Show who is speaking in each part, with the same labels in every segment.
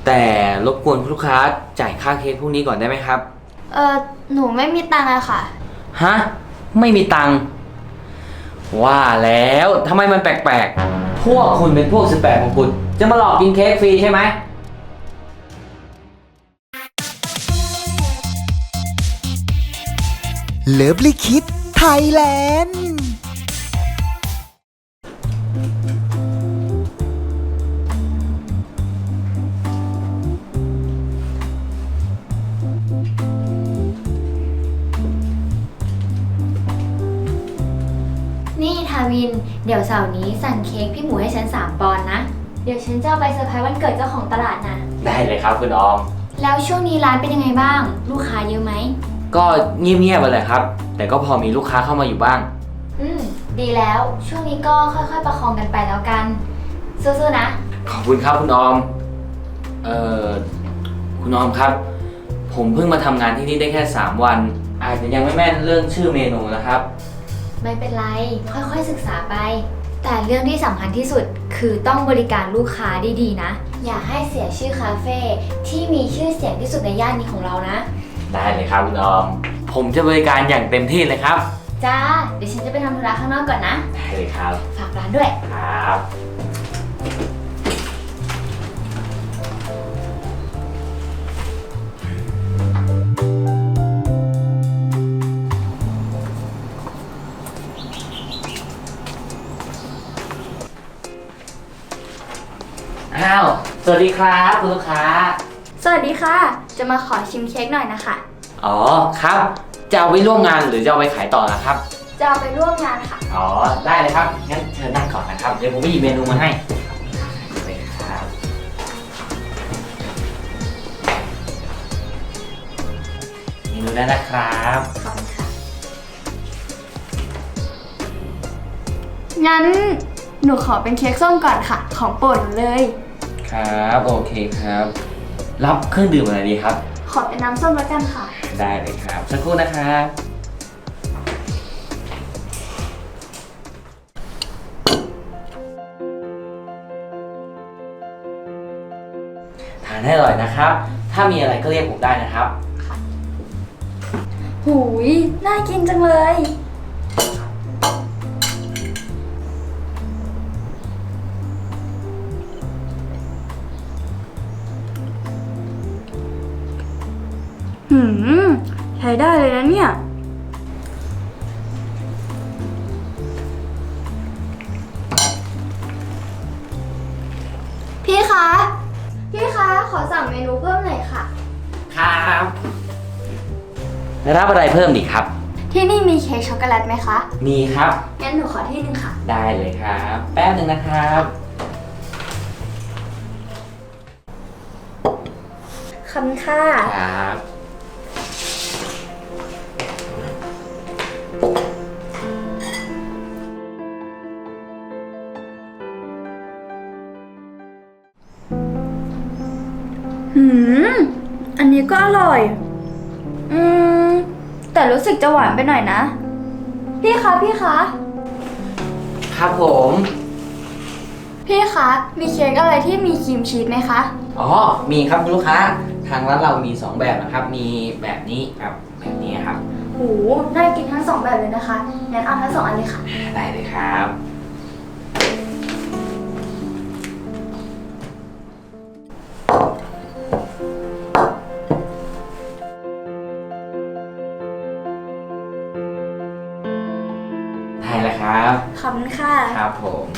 Speaker 1: แต่รบกวนลูกค้าจ่ายค่าเค้กพวกนี้ก่อนได้ไหมครับ
Speaker 2: หนูไม่มีตังค์อะค่ะ
Speaker 1: ฮะไม่มีตังค์ว่าแล้วทำไมมันแปลกๆพวกคุณเป็นพวก18มงกุฎจะมาหลอกกินเค้กฟรีใช่ไหม
Speaker 3: เลิฟลิคิดไทยแลนด์
Speaker 2: นี่ทาวินเดี๋ยวเสาร์นี้สั่งเค้กพี่หมูให้ฉัน3 ปอนด์นะเดี๋ยวฉันจะเอาไปเซอร์ไพรส์วันเกิดเจ้าของตลาดนะ
Speaker 1: ได้เลยครับคุณออม
Speaker 2: แล้วช่วงนี้ร้านเป็นยังไงบ้างลูกค้าเยอะไหม
Speaker 1: ก็เงียบๆไปเลยครับแต่ก็พอมีลูกค้าเข้ามาอยู่บ้าง
Speaker 2: ดีแล้วช่วงนี้ก็ค่อยๆประคองกันไปแล้วกันสู้ๆนะ
Speaker 1: ขอบคุณครับคุณออมคุณออมครับผมเพิ่งมาทำงานที่นี่ได้แค่3 วันอาจจะยังไม่แม่นเรื่องชื่อเมนูนะครับ
Speaker 2: ไม่เป็นไรค่อยๆศึกษาไปแต่เรื่องที่สำคัญที่สุดคือต้องบริการลูกค้าดีๆนะอย่าให้เสียชื่อคาเฟ่ที่มีชื่อเสียงที่สุดในย่านนี้ของเรานะ
Speaker 1: ได้เลยครับคุณออมผมจะบริการอย่างเต็มที่เลยครับ
Speaker 2: จ้าเดี๋ยวฉันจะไปทำธุระข้างนอกก่อนนะ
Speaker 1: ได้เลยครับ
Speaker 2: ฝากร้านด้วย
Speaker 1: ครับอ้าวสวัสดีครับคุณลูกค้า
Speaker 2: สวัสดีค่ะจะมาขอชิมเค้กหน่อยนะคะ
Speaker 1: อ๋อครับจะเอาไปร่วมงานหรือจะเอาไปขายต่อนะครับ
Speaker 2: จะเอาไปร่วมงานค่ะ
Speaker 1: อ๋อได้เลยครับงั้นเชิญนั่งก่อนนะครับเดี๋ยวผมไปหยิบเมนูมาให้เลยครับเมนูได้นะครับ
Speaker 2: ขอบคุณค่ะงั้นหนูขอเป็นเค้กส้มก่อนค่ะของโปรดหนูเลย
Speaker 1: ครับโอเคครับรับเครื่องดื่มอะไรดีครับ
Speaker 2: ขอเป็นน้ำส้มแล้วกันค่ะ
Speaker 1: ได้เลยครับสักครู่นะครับทานให้อร่อยนะครับถ้ามีอะไรก็เรียกผมได้นะครับ
Speaker 2: ค่ะหูยน่ากินจังเลยใช้ได้เลยนะเนี่ยพี่คะขอสั่งเมนูเพิ่มหน่อยค่ะ
Speaker 1: ครับรับอะไรเพิ่มดีครับ
Speaker 2: ที่นี่มีเค้กช็อกโกแลตไหมคะ
Speaker 1: มีครับ
Speaker 2: งั้นหนูขอที่นึงค่ะ
Speaker 1: ได้เลยครับแป๊บนึงนะครับ
Speaker 2: ขอบคุณค่ะ
Speaker 1: ครับ
Speaker 2: อันนี้ก็อร่อยแต่รู้สึกจะหวานไปหน่อยนะพี่คะ
Speaker 1: ครับผม
Speaker 2: พี่คะมีเค้กอะไรที่มีครีมชีสไหมคะ
Speaker 1: อ๋อมีครับคุณลูกค้าทางร้านเรามี2แบบนะครับมีแบบนี้กับแบบนี้ครับ
Speaker 2: โหน่ากินทั้ง2แบบเลยนะคะงั้นเอาทั้ง2 อันเลยค่ะ
Speaker 1: ได้เลยครับได้แล้วครับ
Speaker 2: ขอบคุณค่ะ
Speaker 1: ครับผม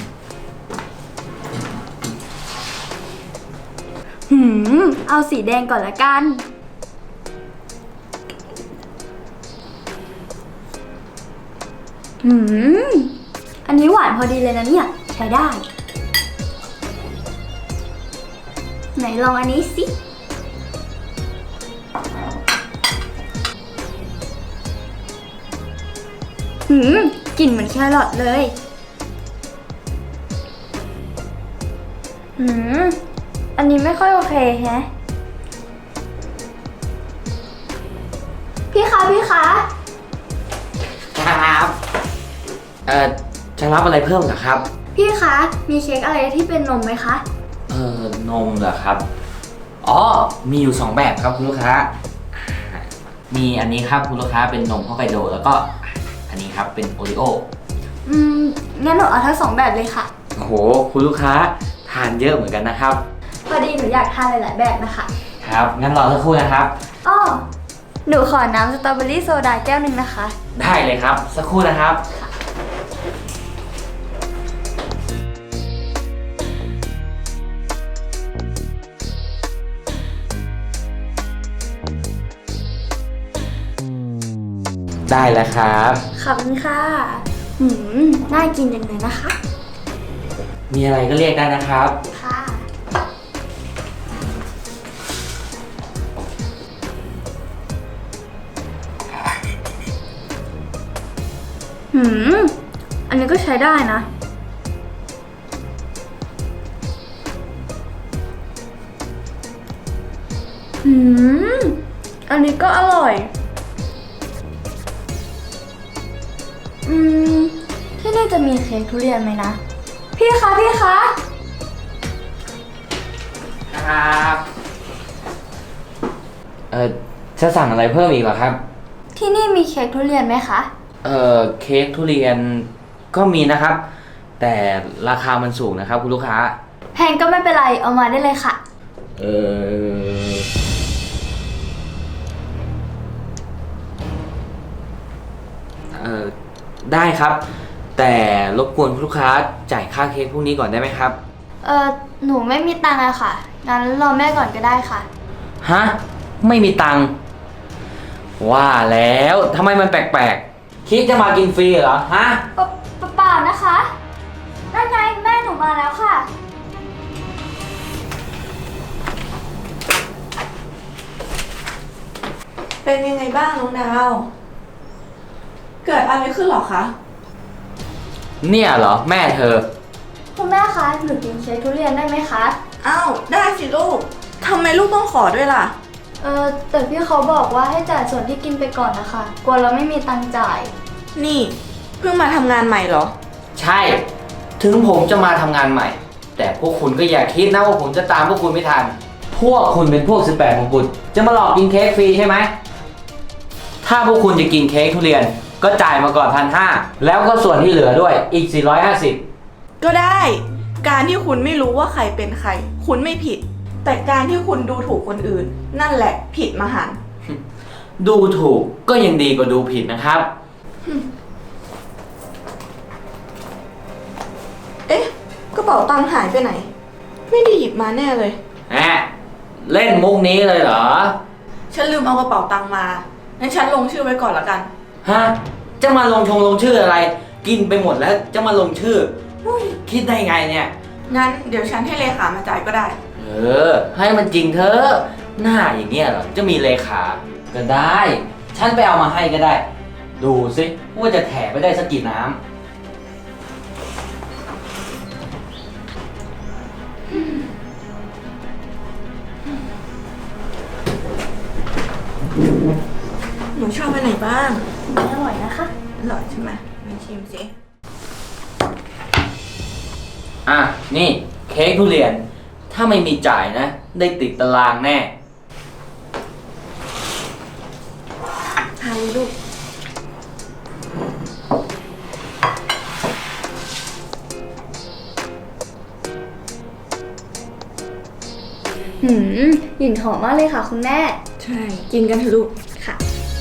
Speaker 2: เอาสีแดงก่อนละกันอันนี้หวานพอดีเลยนะเนี่ยใช้ได้ไหนลองอันนี้สิกลิ่นเหมือนแครอทเลยอันนี้ไม่ค่อยโอเคแฮะพี่คะ
Speaker 1: ครับจะรับอะไรเพิ่มเหรอครับ
Speaker 2: พี่คะมีเค้กอะไรที่เป็นนมไหมคะ
Speaker 1: นมเหรอครับอ๋อ มีอยู่ 2 แบบครับคุณลูกค้า มีอันนี้ครับคุณลูกค้าเป็นนมฮอกไกโดแล้วก็อันนี้ครับเป็นโอริโอ
Speaker 2: งั้นหนูเอาทั้งสองแบบเลยค่ะ
Speaker 1: โอ้โห คุณลูกค้าทานเยอะเหมือนกันนะครับ
Speaker 2: พอดีหนูอยากทานหลายๆแบบนะคะ
Speaker 1: ครับ งั้นรอสักครู่นะครับ
Speaker 2: อ้อหนูขอน้ำสตรอเบอรี่โซดาแก้วหนึ่งนะคะ
Speaker 1: ได้เลยครับ สักครู่นะครับ ได้แล้วครับ
Speaker 2: ขอบคุณค่ะ น่ากินจังเลยนะคะ
Speaker 1: มีอะไรก็เรียกได้นะครับ
Speaker 2: ค่ะ อันนี้ก็ใช้ได้นะ อันนี้ก็อร่อย ที่นี่จะมีเค้กทุเรียนไหมนะ พี่คะ พี่คะ
Speaker 1: ครับ จะสั่งอะไรเพิ่มอีกเหรอครับ
Speaker 2: ที่นี่มีเค้กทุเรียนไหมคะ
Speaker 1: เค้กทุเรียนก็มีนะครับ แต่ราคามันสูงนะครับคุณลูกค้า
Speaker 2: แพงก็ไม่เป็นไร เอามาได้เลยค่ะ
Speaker 1: เออได้ครับ แต่รบกวนคุณลูกค้าจ่ายค่าเค้กพวกนี้ก่อนได้ไหมครับ
Speaker 2: หนูไม่มีตังค์อะค่ะ งั้นรอแม่ก่อนก็ได้ค่ะ
Speaker 1: ฮะ ไม่มีตังค์ว่าแล้วทำไมมันแปลกๆ คิดจะมากินฟรีเหรอ ฮะ
Speaker 2: เปล่านะคะนั่นไงแม่หนูมาแล้วค่ะ
Speaker 4: เป็นยังไงบ้างน้องดาว เกิดอะไรขึ้นหรอคะ
Speaker 1: เนี่ยเหรอ แม่เธอ
Speaker 2: คุณแม่คะ หนูกินเค้กทุเรียนได้ไหมคะ
Speaker 4: อ้าว ได้สิลูก ทำไมลูกต้องขอด้วยล่ะ
Speaker 2: แต่พี่เขาบอกว่าให้จ่ายส่วนที่กินไปก่อนนะคะ กลัวเราไม่มีตังค์จ่าย
Speaker 4: นี่เพิ่งมาทำงานใหม่เหรอ
Speaker 1: ใช่ ถึงผมจะมาทำงานใหม่ แต่พวกคุณก็อย่าคิดนะว่าผมจะตามพวกคุณไม่ทัน พวกคุณเป็นพวก18มงกุฎจะมาหลอกกินเค้กฟรีใช่ไหม ถ้าพวกคุณจะกินเค้กทุเรียน ก็จ่ายมาก่อน1,500แล้วก็ส่วนที่เหลือด้วยอีก450
Speaker 4: ก็ได้ การที่คุณไม่รู้ว่าใครเป็นใคร คุณไม่ผิด แต่การที่คุณดูถูกคนอื่น นั่นแหละผิดมหันต์
Speaker 1: ดูถูกก็ยังดีกว่าดูผิดนะครับ
Speaker 4: เอ๊ะ กระเป๋าตังค์หายไปไหน ไม่ได้หยิบมาแน่เลย
Speaker 1: แหมเล่นมุกนี้เลยเหรอ
Speaker 4: ฉันลืมเอากระเป๋าตังค์มา งั้นฉันลงชื่อไว้ก่อนละกัน
Speaker 1: ฮะ จะมาลงชื่ออะไร กินไปหมดแล้วจะมาลงชื่ออุ๊ยคิดได้ไงเนี่ย
Speaker 4: งั้นเดี๋ยวฉันให้เลขามาจ่ายก็ได้
Speaker 1: ให้มันจริงเถอะ หน้าอย่างเงี้ยเหรอ จะมีเลขาก็ได้ ฉันไปเอามาให้ก็ได้ ดูสิว่าจะแถไปได้สักกี่น้ำ
Speaker 4: หนูชอบอันไหนบ้าง
Speaker 2: อร่อยนะคะ
Speaker 4: อร่อยใช่ไหมมาชิมสิ
Speaker 1: อ่ะ นี่เค้กทุเรียน ถ้าไม่มีจ่ายนะ ได้ติดตารางแน่
Speaker 4: ทานเลยลูก
Speaker 2: กลิ่นหอมมากเลยค่ะคุณแม่
Speaker 4: ใช่ กินกันเถอะลูก
Speaker 2: ค่ะ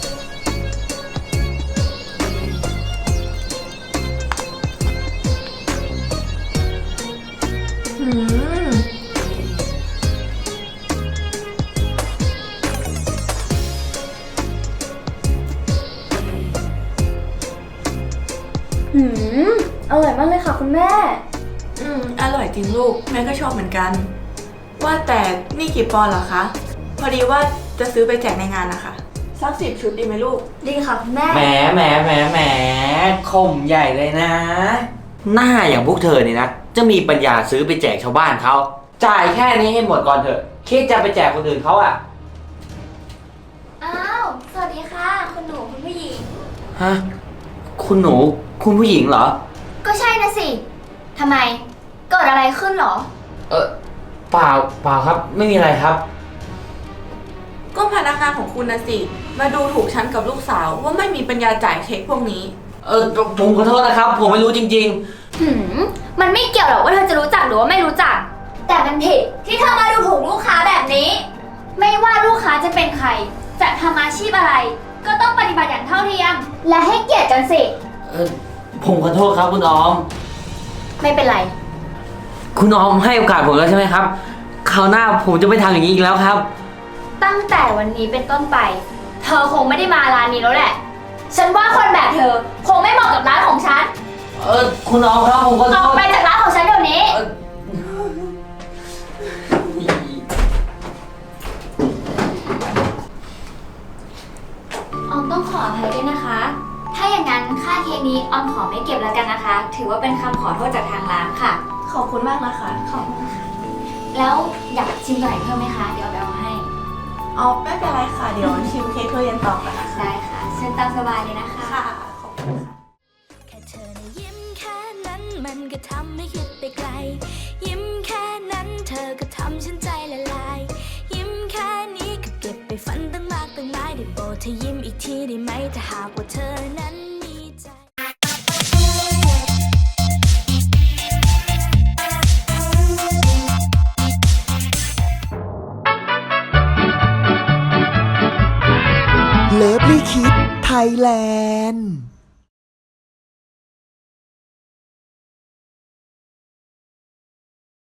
Speaker 4: อืม
Speaker 2: อร่อยมากเลยค่ะคุณแม่
Speaker 4: อร่อยจริงลูก แม่ก็ชอบเหมือนกัน ว่าแต่นี่กี่ปอนด์เหรอคะ พอดีว่าจะซื้อไปแจกในงานนะคะ สัก10 ชุดดีไหมลูก
Speaker 2: ดีค่ะคุณแม่
Speaker 1: แหมข่มใหญ่เลยนะ หน้าอย่างพวกเธอนี่นะ จะมีปัญญาซื้อไปแจกชาวบ้านเขา จ่ายแค่นี้ให้หมดก่อนเถอะ คิดจะไปแจกคนอื่นเขาอ่ะ
Speaker 2: อ้าว สวัสดีค่ะ คุณหนูคุณผู้หญิง
Speaker 1: ฮะ คุณหนู คุณผู้หญิงเหรอ
Speaker 2: ก็ใช่นะสิ ทำไม เกิดอะไรขึ้นเหรอ
Speaker 1: เปล่าครับ ไม่มีอะไรครับ
Speaker 4: ก็พนักงานของคุณนะสิ มาดูถูกฉันกับลูกสาวว่าไม่มีปัญญาจ่ายเค้กพวกนี้
Speaker 1: ผมขอโทษนะครับ ผมไม่รู้จริง
Speaker 2: มันไม่เกี่ยวหรอกว่าเธอจะรู้จักหรือว่าไม่รู้จัก แต่มันผิดที่เธอมาดูถูกลูกค้าแบบนี้ ไม่ว่าลูกค้าจะเป็นใคร จะทำอาชีพอะไร ก็ต้องปฏิบัติอย่างเท่าเทียม และให้เกียรติกันสิ
Speaker 1: ๆผมขอโทษครับคุณออม
Speaker 2: ไม่เป็นไร
Speaker 1: คุณออมให้โอกาสผมแล้วใช่ไหมครับ คราวหน้าผมจะไม่ทำอย่างนี้อีกแล้วครับ
Speaker 2: ตั้งแต่วันนี้เป็นต้นไป เธอคงไม่ได้มาร้านนี้แล้วแหละ ฉันว่าคนแบบเธอคงไม่เหมาะกับร้านของฉัน
Speaker 1: คุณออมครับผมขอโท
Speaker 2: ออก
Speaker 1: ษ
Speaker 2: ไปจากร้านของฉันเดี๋ยวนี้ ออมต้องขออภัยด้วยนะคะ ถ้าอย่างนั้นค่าเค้กนี้ออมขอไม่เก็บแล้วกันนะคะ ถือว่าเป็นคำขอโทษจากทางร้านค่ะ
Speaker 4: ขอบคุณมากนะคะ
Speaker 2: ขอบคุณค่ะ แล้วอยากชิมตัวไหนเพิ่มไหมคะ เดี๋ยวเอาไปเอามาให้
Speaker 4: ไม่เป็นไรค่ะ เดี๋ยวชิมเค้กทุเรียนต่อกันนะคะ
Speaker 2: ได้ค่ะ เชิญตามสบายเลยนะคะ
Speaker 4: ค่ะ ขอบคุณค่ะ
Speaker 5: แค่เธอนะยิ้มแค่นั้นมันก็ทำให้คิดไปไกล ยิ้มแค่นั้นเธอก็ทำฉันใจละลาย ยิ้มแค่นี้ก็เก็บไปฝันตั้งมากตั้งหลายได้โปรดเธอยิ้มอีกทีได้ไหมถ้าหากว่าเธอนั้นมีใจ
Speaker 3: เลิฟลี่คิดไทยแลนด์